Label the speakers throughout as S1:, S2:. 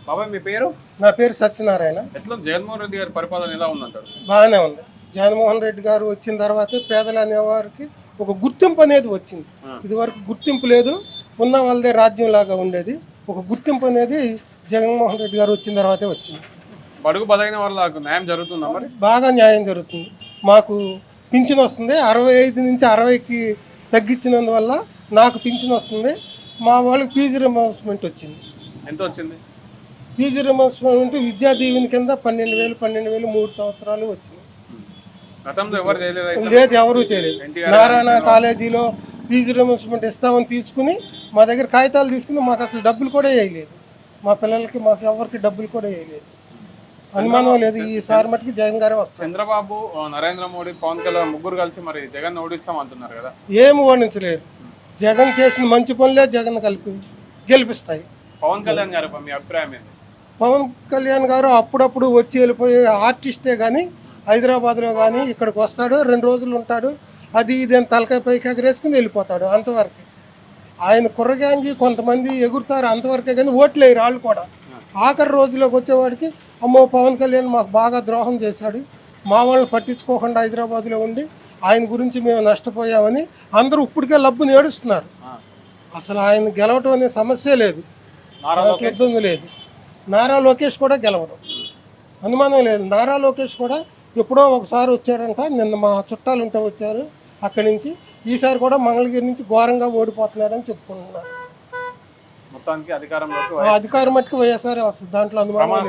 S1: బాబాయ్ మీ పేరు?
S2: నా పేరు సత్యనారాయణ.
S1: ఎట్లా జగన్మోహన్ రెడ్డి గారి పరిపాలన ఎలా ఉందంటారు?
S2: బాగానే ఉంది. జగన్మోహన్ రెడ్డి గారు వచ్చిన తర్వాతే పేదలు అనేవారికి ఒక గుర్తింపు అనేది వచ్చింది. ఇదివరకు గుర్తింపు లేదు, ఉన్న వాళ్ళదే రాజ్యం లాగా ఉండేది. ఒక గుర్తింపు అనేది జగన్మోహన్ రెడ్డి గారు వచ్చిన తర్వాతే వచ్చింది.
S1: బడుగు బలైన వాళ్ళకు న్యాయం జరుగుతుందా మరి?
S2: బాగా న్యాయం జరుగుతుంది. మాకు పింఛన్ వస్తుంది, 65 నుంచి 60కి తగ్గించినందువల్ల నాకు పింఛన్ వస్తుంది. మా వాళ్ళకి ఫీజు రింబర్స్మెంట్ వచ్చింది.
S1: ఎంత వచ్చింది?
S2: ఫీజు రింబర్స్మెంట్ విద్యా దీవెన కింద 12,000 3 సంవత్సరాలు వచ్చింది.
S1: గతంలో ఎవరు చేయలేదు?
S2: లేదు, ఎవరూ చేయలేదు. నారాయణ కాలేజీలో ఫీజు రింబర్స్మెంట్ ఇస్తామని తీసుకుని మా దగ్గర కాగితాలు తీసుకుని మాకు అసలు డబ్బులు కూడా వేయలేదు. మా పిల్లలకి మాకు ఎవరికి డబ్బులు కూడా వేయలేదు. అనుమానం లేదు, ఈసారి మటుకు జగన్ గారే వస్తారు.
S1: చంద్రబాబు, నరేంద్ర మోడీ, పవన్ కళ్యాణ్ ముగ్గురు కలిసి మరి జగన్ ఓడిస్తాం అంటున్నారు కదా.
S2: ఏమి ఓడించలేరు. జగన్ చేసిన మంచి పనులే జగన్ కలిపి గెలిపిస్తాయి.
S1: పవన్ కళ్యాణ్ గారు మీ అభిప్రాయం ఏంటి?
S2: పవన్ కళ్యాణ్ గారు అప్పుడప్పుడు వచ్చి వెళ్ళిపోయే ఆర్టిస్టే కానీ హైదరాబాద్లో కానీ ఇక్కడికి వస్తాడు, 2 రోజులు ఉంటాడు, అది ఇదేం తలకాయ పైకి ఎగరేసుకుని వెళ్ళిపోతాడు. అంతవరకు ఆయన కుర్రగాంగి కొంతమంది ఎగురుతారు, అంతవరకే కానీ ఓట్లేరు వాళ్ళు కూడా. ఆఖరి రోజులోకి వచ్చేవాడికి అమ్మో పవన్ కళ్యాణ్ మాకు బాగా ద్రోహం చేశాడు, మా వాళ్ళని పట్టించుకోకుండా హైదరాబాద్లో ఉండి ఆయన గురించి మేము నష్టపోయామని అందరూ ఇప్పటికే లబ్బుని ఏడుస్తున్నారు. అసలు ఆయన గెలవటం అనే సమస్య లేదు, ఇబ్బంది లేదు. నారా లోకేష్ కూడా గెలవడం అనుమానం లేదు. నారా లోకేష్ కూడా ఎప్పుడో ఒకసారి వచ్చాడంట, నిన్న మా చుట్టాలు ఉంటే వచ్చారు అక్కడి నుంచి. ఈసారి కూడా మంగళగిరి నుంచి ఘోరంగా ఓడిపోతున్నాడని చెప్పుకుంటున్నారు.
S1: మొత్తానికి
S2: అధికారం మట్టుకు వైఎస్ఆర్ వస్తుంది, దాంట్లో అనుమానం.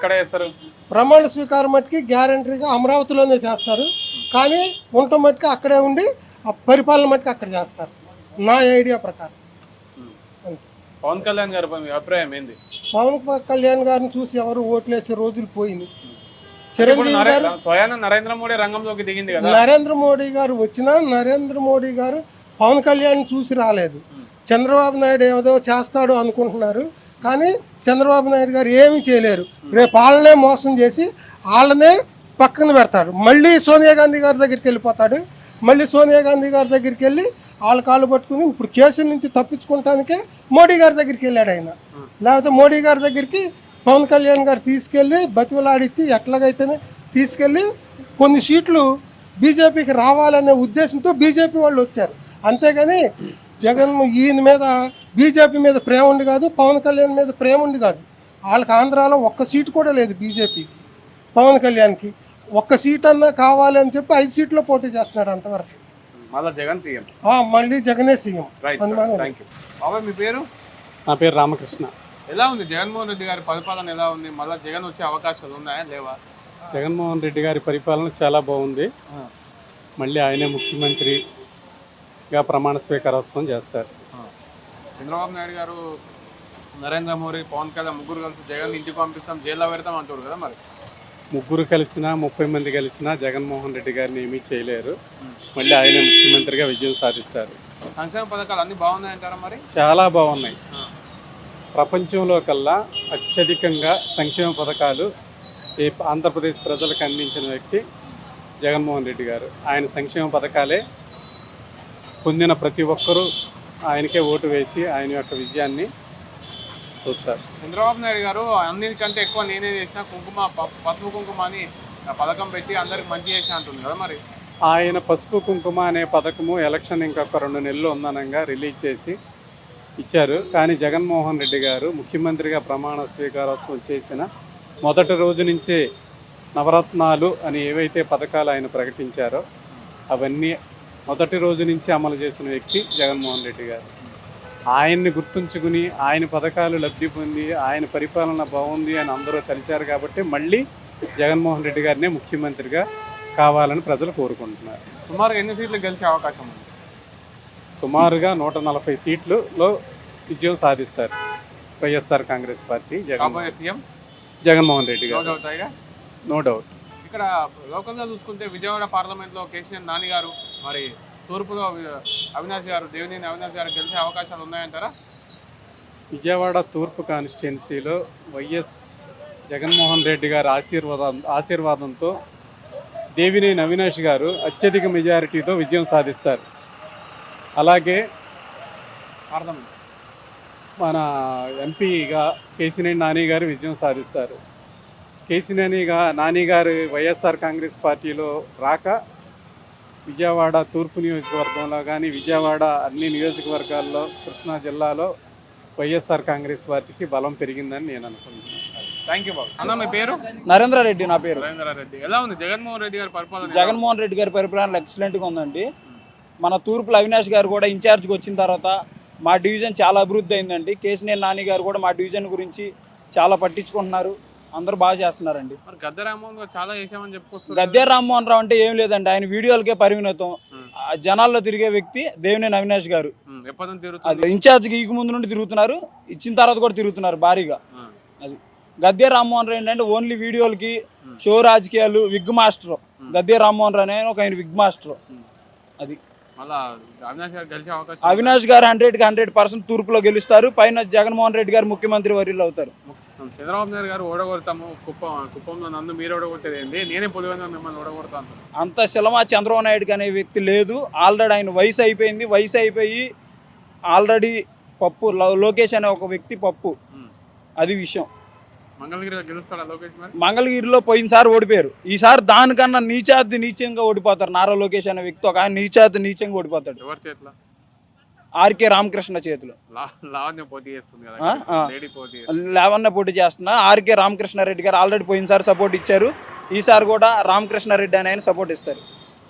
S2: ప్రమాణ స్వీకారం మట్టుకి గ్యారంటీగా అమరావతిలోనే చేస్తారు, కానీ ఉండటం మట్టుకు అక్కడే ఉండి ఆ పరిపాలన మట్టుకు అక్కడ చేస్తారు నా ఐడియా ప్రకారం. అంతే.
S1: పవన్ కళ్యాణ్ గారు మీ అభిప్రాయం ఏంది?
S2: పవన్ కళ్యాణ్ గారిని చూసి ఎవరు ఓట్లేసే రోజులు పోయినాయి. చిరంజీవి గారు,
S1: నరేంద్ర మోడీ రంగంలోకి దిగింది కదా.
S2: నరేంద్ర మోడీ గారు వచ్చినా నరేంద్ర మోడీ గారు పవన్ కళ్యాణ్ చూసి రాలేదు. చంద్రబాబు నాయుడు ఏదో చేస్తాడు అనుకుంటున్నారు, కానీ చంద్రబాబు నాయుడు గారు ఏమీ చేయలేరు. రేపు వాళ్ళనే మోసం చేసి వాళ్ళనే పక్కన పెడతాడు. మళ్ళీ సోనియా గాంధీ గారి దగ్గరికి వెళ్ళిపోతాడు. మళ్ళీ సోనియా గాంధీ గారి దగ్గరికి వెళ్ళి వాళ్ళ కాళ్ళు పట్టుకుని ఇప్పుడు కేసుల నుంచి తప్పించుకోవటానికే మోడీ గారి దగ్గరికి వెళ్ళాడు ఆయన. లేకపోతే మోడీ గారి దగ్గరికి పవన్ కళ్యాణ్ గారు తీసుకెళ్ళి బతివలాడిచ్చి ఎట్లాగైతేనే తీసుకెళ్ళి కొన్ని సీట్లు బీజేపీకి రావాలనే ఉద్దేశంతో బీజేపీ వాళ్ళు వచ్చారు. అంతేగాని జగన్ ఈయన మీద బీజేపీ మీద ప్రేమ ఉండి కాదు, పవన్ కళ్యాణ్ మీద ప్రేమ ఉండి కాదు. వాళ్ళకి ఆంధ్రాలో ఒక్క సీటు కూడా లేదు బీజేపీకి. పవన్ కళ్యాణ్కి ఒక్క సీట్ అన్నా కావాలి అని చెప్పి 5 సీట్లో పోటీ చేస్తున్నాడు అంతవరకు. మళ్ళీ జగనే సీఎం.
S1: మీ పేరు?
S3: నా పేరు రామకృష్ణ.
S1: ఎలా ఉంది జగన్మోహన్ రెడ్డి గారి పరిపాలన? ఎలా ఉంది? మళ్ళీ జగన్ వచ్చే అవకాశాలు ఉన్నాయా లేవా?
S3: జగన్మోహన్ రెడ్డి గారి పరిపాలన చాలా బాగుంది. మళ్ళీ ఆయనే ముఖ్యమంత్రిగా ప్రమాణ స్వీకారోత్సవం చేస్తారు.
S1: చంద్రబాబు నాయుడు గారు, నరేంద్ర మోడీ, పవన్ కళ్యాణ్ ముగ్గురు కలిసి జగన్ ఇంటికి పంపిస్తాం, జైల్లో పెడతాం అంటారు కదా. మరి
S3: ముగ్గురు కలిసినా 30 మంది కలిసినా జగన్మోహన్ రెడ్డి గారిని ఏమీ చేయలేరు. మళ్ళీ ఆయనే ముఖ్యమంత్రిగా విజయం సాధిస్తారు.
S1: సంక్షేమ పథకాలు అన్నీ బాగున్నాయంటారా? మరి
S3: చాలా బాగున్నాయి. ప్రపంచంలో కల్లా అత్యధికంగా సంక్షేమ పథకాలు ఈ ఆంధ్రప్రదేశ్ ప్రజలకు అందించిన వ్యక్తి జగన్మోహన్ రెడ్డి గారు. ఆయన సంక్షేమ పథకాలే పొందిన ప్రతి ఒక్కరూ ఆయనకే ఓటు వేసి ఆయన యొక్క విజయాన్ని చూస్తారు.
S1: చంద్రబాబు నాయుడు గారు అన్నిటికంటే ఎక్కువ నేనే చేసిన పసుపు కుంకుమ అని పథకం పెట్టి అందరికి మంచి చేసిన అంటుంది కదా. మరి
S3: ఆయన పసుపు కుంకుమ అనే పథకము ఎలక్షన్ ఇంకొక 2 నెలలు ఉందనంగా రిలీజ్ చేసి ఇచ్చారు. కానీ జగన్మోహన్ రెడ్డి గారు ముఖ్యమంత్రిగా ప్రమాణ స్వీకారోత్సవం చేసిన మొదటి రోజు నుంచే నవరత్నాలు అని ఏవైతే పథకాలు ఆయన ప్రకటించారో అవన్నీ మొదటి రోజు నుంచి అమలు చేసిన వ్యక్తి జగన్మోహన్ రెడ్డి గారు. ఆయన్ని గుర్తుంచుకుని ఆయన పథకాలు లబ్ధి పొంది ఆయన పరిపాలన బాగుంది అని అందరూ తలిచారు కాబట్టి మళ్ళీ జగన్మోహన్ రెడ్డి గారినే ముఖ్యమంత్రిగా కావాలని ప్రజలు కోరుకుంటున్నారు.
S1: సుమారుగా ఎన్ని సీట్లు గెలిచే అవకాశం ఉంది?
S3: సుమారుగా 140 సీట్లలో విజయం సాధిస్తారు YSR Congress party. Jaganmohan Reddy garu no doubt.
S1: ఇక్కడ లోకల్గా చూసుకుంటే విజయవాడ పార్లమెంట్లో కేసీఆర్ నాని గారు, మరి తూర్పులో అవినాష్ గారు, దేవినేని అవినాష్ గారు గెలిచే అవకాశాలు ఉన్నాయంటారా?
S3: విజయవాడ తూర్పు కాన్స్టిట్యున్సీలో వైఎస్ జగన్మోహన్ రెడ్డి గారి ఆశీర్వాదంతో దేవినేని అవినాష్ గారు అత్యధిక మెజారిటీతో విజయం సాధిస్తారు. అలాగే మన ఎంపీగా కేసినేని నాని గారు విజయం సాధిస్తారు. నాని గారు వైఎస్ఆర్ కాంగ్రెస్ పార్టీలో రాక విజయవాడ తూర్పు నియోజకవర్గంలో కానీ విజయవాడ అన్ని నియోజకవర్గాల్లో కృష్ణా జిల్లాలో వైఎస్ఆర్ కాంగ్రెస్ పార్టీకి బలం పెరిగిందని నేను అనుకుంటున్నాను.
S1: థ్యాంక్ యూ బాబు. అన్న మీ పేరు?
S4: నరేంద్ర రెడ్డి నా పేరు.
S1: నరేంద్ర రెడ్డి. ఎలా ఉంది జగన్మోహన్ రెడ్డి గారి పరిపాలన?
S4: జగన్మోహన్ రెడ్డి గారి పరిపాలన ఎక్సలెంట్గా ఉందండి. మన తూర్పులో అవినాష్ గారు కూడా ఇన్ఛార్జ్కి వచ్చిన తర్వాత మా డివిజన్ చాలా అభివృద్ధి అయిందండి. కేసినేని నాని గారు కూడా మా డివిజన్ గురించి చాలా పట్టించుకుంటున్నారు. అందరూ బాగా చేస్తున్నారండి.
S1: మరి గద్దె రామ్మోహన్ గారు చాలా చేసామని చెప్పుకొస్తారు.
S4: గద్దె రామ్మోహన్ రావు అంటే ఏం లేదండి, ఆయన వీడియోలకే పరిమితం. జనాల్లో తిరిగే వ్యక్తి దేవినేని అవినాష్ గారు.
S1: ఎప్పటి నుంచి
S4: అది
S1: తిరుగుతుంది?
S4: ఇన్ఛార్జ్కి ఈకు ముందు నుండి తిరుగుతున్నారు, ఇచ్చిన తర్వాత కూడా తిరుగుతున్నారు భారీగా. అది గద్దె రామ్మోహన్ రావు ఏంటంటే ఓన్లీ వీడియోలకి షో రాజకీయాలు. విగ్ మాస్టర్ గద్దె రామ్మోహన్ రావు ఆయన ఒక విగ్ మాస్టర్. అది
S1: మళ్ళా అవినాష్ గారు గెలిచే అవకాశం?
S4: అవినాష్ గారు 100% తూర్పులో గెలుస్తారు. పైన జగన్మోహన్ రెడ్డి గారు ముఖ్యమంత్రి వర్యులు అవుతారు.
S1: చంద్రబాబు నాయుడు గారు ఓడగొడతాము, కుప్పంలో నన్ను మీరు ఓడగొట్టేది ఏంటి, నేనే పొలివైన మిమ్మల్ని ఓడగొడతాను.
S4: అంత శిలమా చంద్రబాబు నాయుడు అనే వ్యక్తి లేదు. ఆల్రెడీ ఆయన వయసు అయిపోయింది. వయసు అయిపోయి ఆల్రెడీ పప్పు లోకేష్ అనే ఒక వ్యక్తి పప్పు. అది విషయం.
S1: మంగళగిరిలో గెలుస్తాడా లోకేష్ మరి?
S4: మంగళగిరిలో పోయినసారి ఓడిపోయారు. ఈసారి దానికన్నా నీచంగా ఓడిపోతారు. నారా లోకేష్ అనే వ్యక్తి ఒక ఆయన నీచంగా ఓడిపోతాడు.
S1: ఎవరి చేతిలో?
S4: ఆర్కే రామకృష్ణ చేతిలో.
S1: లావణ్య పోటీ చేస్తుంది కదా, లేడీ పోటీ.
S4: లావణ్య పోటీ చేస్తున్నా. ఆర్కే రామకృష్ణారెడ్డి గారు ఆల్రెడీ పోయినసారి సపోర్ట్ ఇచ్చారు. ఈసారి కూడా రామకృష్ణారెడ్డి అని ఆయన సపోర్ట్ ఇస్తారు.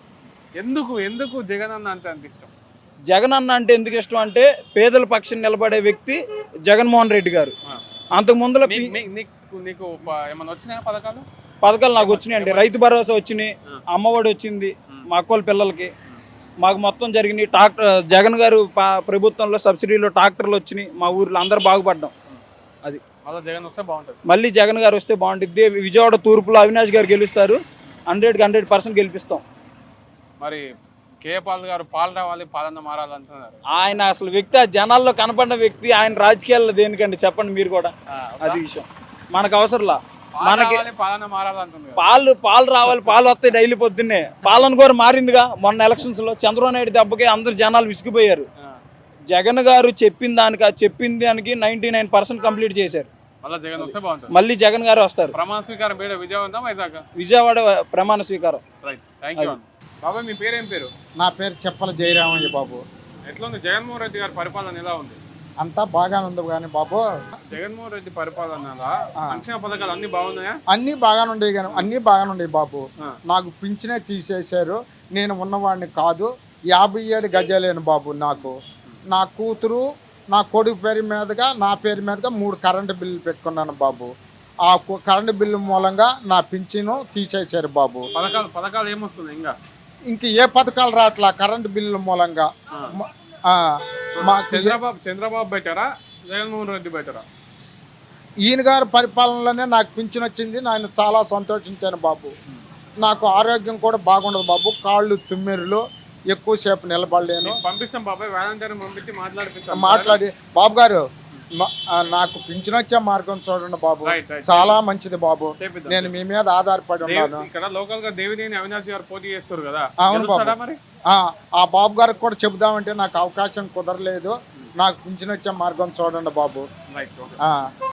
S1: ఎందుకు జగన్ అన్న అంటే అంత ఇష్టం?
S4: జగన్ అన్న అంటే ఎందుకు ఇష్టం అంటే పేదల పక్షం నిలబడే వ్యక్తి జగన్మోహన్ రెడ్డి గారు. అంతకు ముందులో
S1: నీకు ఏమన్నా వచ్చినాయా
S4: పథకాలు నాకు వచ్చినాయండి. రైతు భరోసా వచ్చినాయి, అమ్మఒడి వచ్చింది మా అక్కోళ్ళ పిల్లలకి. మాకు మొత్తం జరిగినాయి. జగన్ గారు ప్రభుత్వంలో సబ్సిడీలో ట్రాక్టర్లు వచ్చినాయి. మా ఊర్లో అందరూ బాగుపడ్డాం. అది
S1: జగన్ వస్తే బాగుంటుంది.
S4: మళ్ళీ జగన్ గారు వస్తే బాగుంటుంది. విజయవాడ తూర్పులో అవినాష్ గారు గెలుస్తారు. 100% గెలిపిస్తాం.
S1: మరి కేపాల్ గారు పాలు రావాలి, పాలన మారాలంటున్నారు.
S4: ఆయన అసలు వ్యక్తి ఆ జనాల్లో కనపడిన వ్యక్తి. ఆయన రాజకీయాల్లో దేనికండి చెప్పండి మీరు కూడా. అది విషయం మనకు అవసరంలా. మనకి
S1: పాలన మారాలంటున్నారు.
S4: పాలు రావాలి, పాలు వస్తాయి డైలీ పొద్దున్నే. పాలన కూడా మారిందిగా మొన్న ఎలక్షన్స్ లో. చంద్రబాబు నాయుడు దెబ్బకి అందరు జనాలు విసిగిపోయారు. జగన్ గారు చెప్పిన దానికి 99% కంప్లీట్ చేశారు. మళ్ళీ జగన్ గారు వస్తారు.
S1: ప్రమాణ స్వీకారం
S4: విజయవాడ ప్రమాణ స్వీకారం.
S1: బాబా మీ పేరేం పేరు?
S5: నా పేరు చెప్పల జయరామయ్య బాబు.
S1: ఎట్లా ఉంది జగన్మోహన్ రెడ్డి గారి పరిపాలన? ఎలా ఉంది?
S5: అంతా బాగానే ఉంది కానీ బాబు,
S1: జగన్మోహన్ రెడ్డి పరిపాలన సంక్షేమ పథకాలు అన్ని బాగున్నాయా?
S5: అన్ని బాగానే ఉండేవి కానీ అన్ని బాగానే ఉండేవి బాబు. నాకు పింఛనే తీసేశారు. నేను ఉన్నవాడిని కాదు. 57 గజాలేను బాబు. నా కూతురు నా కొడుకు పేరు మీదుగా నా పేరు మీదుగా 3 కరెంటు బిల్లులు పెట్టుకున్నాను బాబు. ఆ కరెంటు బిల్లు మూలంగా నా పింఛను తీసేశారు బాబు.
S1: పథకాలు ఏమొస్తుంది?
S5: ఇంక ఏ పథకాలు రావట్లా కరెంటు బిల్లుల మూలంగా.
S1: చంద్రబాబు బెటరా, జగన్మోహన్ రెడ్డి బెటరా?
S5: ఈయన గారి పరిపాలనలోనే నాకు పింఛన్ వచ్చింది. నేను చాలా సంతోషించాను బాబు. నాకు ఆరోగ్యం కూడా బాగుండదు బాబు. కాళ్ళు తుమ్మెరులు, ఎక్కువసేపు నిలబడలేను.
S1: పంపిస్తాం బాబాయ్, వాలంటీర్ని పంపించి
S5: మాట్లాడి బాబు గారు నాకు పింఛన్ వచ్చే మార్గం చూడండి బాబు. చాలా మంచిది బాబు. నేను మీ మీద ఆధారపడి ఉన్నాను.
S1: ఇక్కడ లోకల్ గా దేవినేని అవినాష్ గారు పోటీ చేస్తారు కదా.
S5: అవును బాబు. ఆ బాబు గారికి కూడా చెబుదామంటే నాకు అవకాశం కుదరలేదు. నాకు పింఛన్ వచ్చే మార్గం చూడండి బాబు.